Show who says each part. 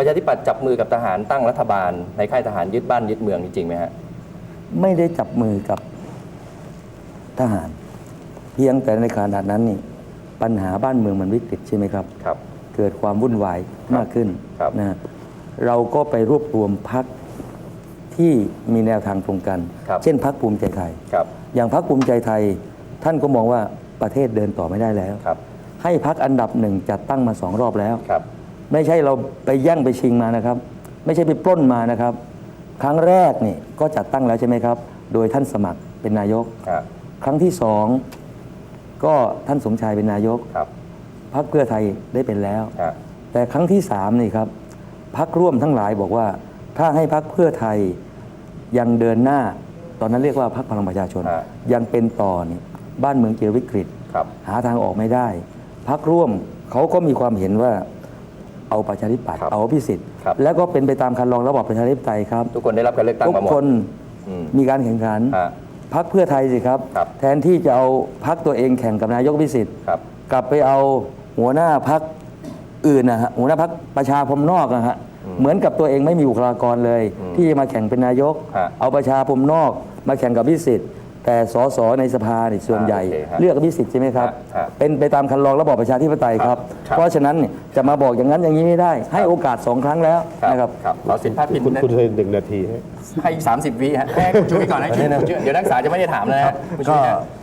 Speaker 1: ประชาธิปัตย์จับมือกับทหารตั้งรัฐบาลในค่ายทหารยึดบ้านยึดเมืองจริงไหมฮะ
Speaker 2: ไม่ได้จับมือกับทหารเพียงแต่ในขณะนั้นนี่ปัญหาบ้านเมืองมันวิกฤตใช่ไหมครับ
Speaker 1: ครับ
Speaker 2: เกิดความวุ่นวายมากขึ้นนะเราก็ไปรวบรวมพรรคที่มีแนวทางตรงกันเช่นพรรคภูมิใจไทยอย่างพรรคภูมิใจไทยท่านก็มองว่าประเทศเดินต่อไม่ได้แล้วให้พรรคอันดับหนึ่งจัดตั้งมา2 รอบแล้วไม่ใช่เราไปแย่งไปชิงมานะครับไม่ใช่ไปปล้นมานะครับครั้งแรกนี่ก็จัดตั้งแล้วใช่ไหมครับโดยท่านสมัครเป็นนายกครั้งที่2ก็ท่านสมชายเป็นนายกพรรคเพื่อไทยได้เป็นแล้วแต่ครั้งที่3นี่ครับพรรคร่วมทั้งหลายบอกว่าถ้าให้พรรคเพื่อไทยยังเดินหน้าตอนนั้นเรียกว่าพรรคพลังประชาชนยังเป็นต่อนี่บ้านเมืองเจอวิกฤตหาทางออกไม่ได้พรรคร่วมเขาก็มีความเห็นว่าเอาประชาธิปัตย์เอาอภิสิทธิ์แล้วก็เป็นไปตามคันลองระบอบประชาธิปไตยครับ
Speaker 1: ทุกคนได้รับการเลือกตั้งมาหมด
Speaker 2: ทุกคนมีการแข่งขันพรรคเพื่อไทยสิครับแทนที่จะเอาพรรคตัวเองแข่งกับนายกอภิสิทธิ์กลับไปเอาหัวหน้าพรรคอื่นนะฮะหัวหน้าพรรคประชาพรมนอกนะฮะเหมือนกับตัวเองไม่มีบุคลากรเลยที่จะมาแข่งเป็นนายกเอาประชาพรมนอกมาแข่งกับอภิสิทธิ์แต่สสในสภาเนี่ยส่วนใหญ่เลือกอภิสิทธิ์ใช่ไหมครับเป็นไปตามคันลองระบอบประชาธิปไตยครับเพราะฉะนั้นจะมาบอกอย่างนั้นอย่างนี้ไม่ได้ให้โอกาส2 ครั้งแล้วนะครับ
Speaker 1: เราสิทธิพาดพิง
Speaker 3: คุณเคย1 นาที
Speaker 1: ให้30 วิฮะให้คุณช่วยก่อนนะเดี๋ยวนักศึกษาจะไม่ได้ถามแล้วนะ
Speaker 2: ก็